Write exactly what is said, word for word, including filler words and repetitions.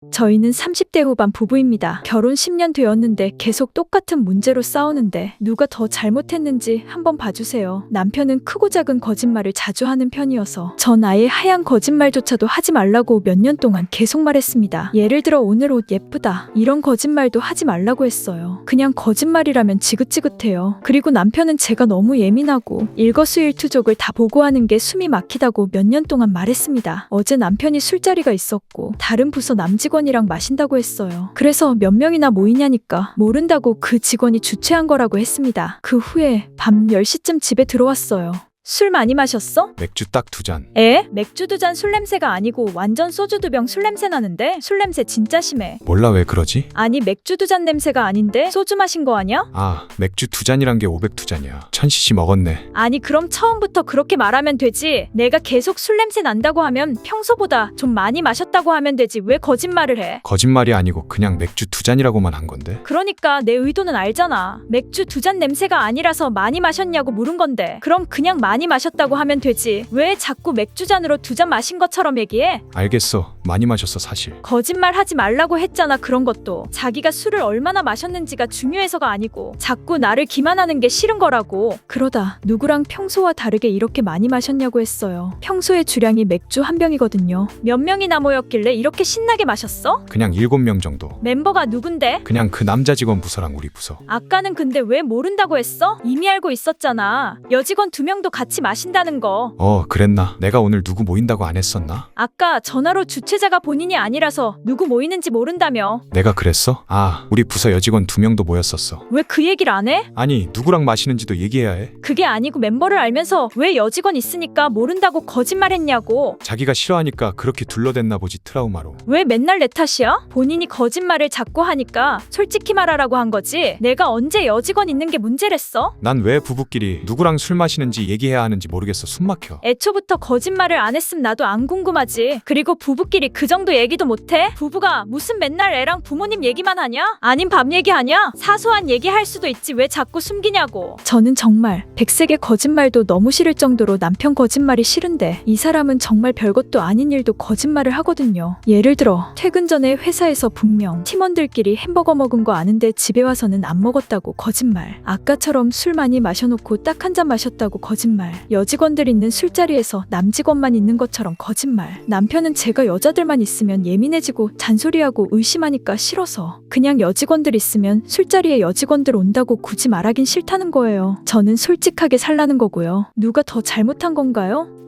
저희는 삼십 대 후반 부부입니다. 결혼 십 년 되었는데 계속 똑같은 문제로 싸우는데 누가 더 잘못했는지 한번 봐주세요. 남편은 크고 작은 거짓말을 자주 하는 편이어서 전 아예 하얀 거짓말조차도 하지 말라고 몇 년 동안 계속 말했습니다. 예를 들어 오늘 옷 예쁘다. 이런 거짓말도 하지 말라고 했어요. 그냥 거짓말이라면 지긋지긋해요. 그리고 남편은 제가 너무 예민하고 일거수일투족을 다 보고하는 게 숨이 막히다고 몇 년 동안 말했습니다. 어제 남편이 술자리가 있었고 다른 부서 남직원이랑 마신다고 했어요. 그래서 몇 명이나 모이냐니까 모른다고 그 직원이 주최한 거라고 했습니다. 그 후에 밤 열 시쯤 집에 들어왔어요. 술 많이 마셨어? 맥주 딱 두 잔. 에? 맥주 두 잔 술 냄새가 아니고 완전 소주 두 병 술 냄새 나는데? 술 냄새 진짜 심해. 몰라 왜 그러지? 아니 맥주 두 잔 냄새가 아닌데? 소주 마신 거 아니야? 아, 맥주 두 잔이란 게 오백 두 잔이야. 천 씨씨 먹었네. 아니 그럼 처음부터 그렇게 말하면 되지. 내가 계속 술 냄새 난다고 하면 평소보다 좀 많이 마셨다고 하면 되지. 왜 거짓말을 해? 거짓말이 아니고 그냥 맥주 두 잔이라고만 한 건데. 그러니까 내 의도는 알잖아. 맥주 두 잔 냄새가 아니라서 많이 마셨냐고 물은 건데. 그럼 그냥 많이 마셨다고 하면 되지. 왜 자꾸 맥주 잔으로 두 잔 마신 것처럼 얘기해? 알겠어. 많이 마셨어 사실. 거짓말 하지 말라고 했잖아. 그런 것도 자기가 술을 얼마나 마셨는지가 중요해서가 아니고 자꾸 나를 기만하는 게 싫은 거라고. 그러다 누구랑 평소와 다르게 이렇게 많이 마셨냐고 했어요. 평소의 주량이 맥주 한 병이거든요. 몇 명이나 모였길래 이렇게 신나게 마셨어? 그냥 일곱 명 정도. 멤버가 누군데? 그냥 그 남자 직원 부서랑 우리 부서. 아까는 근데 왜 모른다고 했어? 이미 알고 있었잖아. 여직원 두 명도 같이 마신다는 거. 어, 그랬나? 내가 오늘 누구 모인다고 안 했었나? 아까 전화로 주최자가 본인이 아니라서 누구 모이는지 모른다며. 내가 그랬어? 아, 우리 부서 여직원 두 명도 모였었어. 왜 그 얘기를 안 해? 아니, 누구랑 마시는지도 얘기해야 해. 그게 아니고 멤버를 알면서 왜 여직원 있으니까 모른다고 거짓말했냐고. 자기가 싫어하니까 그렇게 둘러댔나 보지 트라우마로. 왜 맨날 내 탓이야? 본인이 거짓말을 자꾸 하니까 솔직히 말하라고 한 거지. 내가 언제 여직원 있는 게 문제랬어? 난 왜 부부끼리 누구랑 술 마시는지 얘기해야 하는지 모르겠어. 숨 막혀. 애초부터 거짓말을 안 했음 나도 안 궁금하지. 그리고 부부끼리 그 정도 얘기도 못해? 부부가 무슨 맨날 애랑 부모님 얘기만 하냐? 아님 밥 얘기하냐? 사소한 얘기할 수도 있지 왜 자꾸 숨기냐고. 저는 정말 백색의 거짓말도 너무 싫을 정도로 남편 거짓말이 싫은데 이 사람은 정말 별것도 아닌 일도 거짓말을 하거든요. 예를 들어 퇴근 전에 회사에서 분명 팀원들끼리 햄버거 먹은 거 아는데 집에 와서는 안 먹었다고 거짓말. 아까처럼 술 많이 마셔놓고 딱 한 잔 마셨다고 거짓말. 여직원들 있는 술자리에서 남직원만 있는 것처럼 거짓말. 남편은 제가 여자들만 있으면 예민해지고 잔소리하고 의심하니까 싫어서 그냥 여직원들 있으면 술자리에 여직원들 온다고 굳이 말하긴 싫다는 거예요. 저는 솔직하게 살라는 거고요. 누가 더 잘못한 건가요?